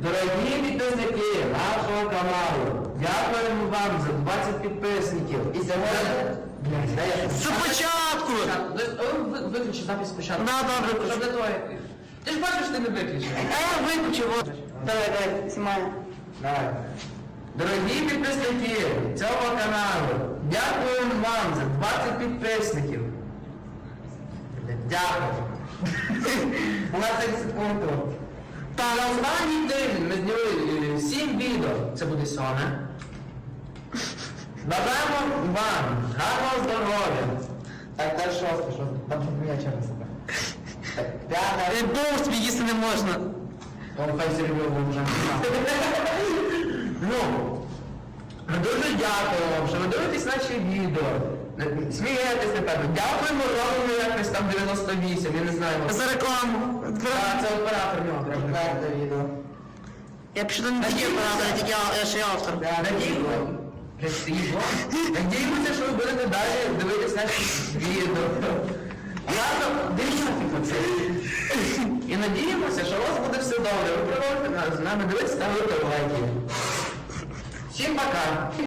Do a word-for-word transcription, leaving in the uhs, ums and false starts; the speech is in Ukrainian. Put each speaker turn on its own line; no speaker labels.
Дорогі підписники нашого каналу, дякуємо вам за двадцять підписників. І сьогодні...
Спочатку!
Виключи запис спочатку.
Да, да, виключу.
Щоб не твоє. Ти ж бачиш, ти не виключив.
А я виключив. Давай, давай, знімай.
Давай. Дорогі підписники цього каналу, дякуємо вам за двадцять підписників. Дякую. двадцять секунд. Та на останній день ми зняли сім відео. Це буде сьоме. Бажаємо вам гарного здоров'я. Так, далі шосте, шосте. Там щоб я через себе. П'яте.
Довг тобі їсти не можна.
Он хай серйозно вже. Ну, ми дуже дякуємо вам, що ви дивитесь наші відео. Смієтесь, напевно. Дякуємо Роману якось там дев'яносто вісім, я не знаю.
За рекламу.
А, це оператор нього треба. Четверте відео.
Я пишу до не тільки оператор, я тільки я ще й автор.
Надіємося, що ви будете далі дивитись наші відео. Ладно, дивіться це. І надіємося, що у вас буде все добре. Ви продовжуєте з нами дивитися, ставити лайки. Всім пока!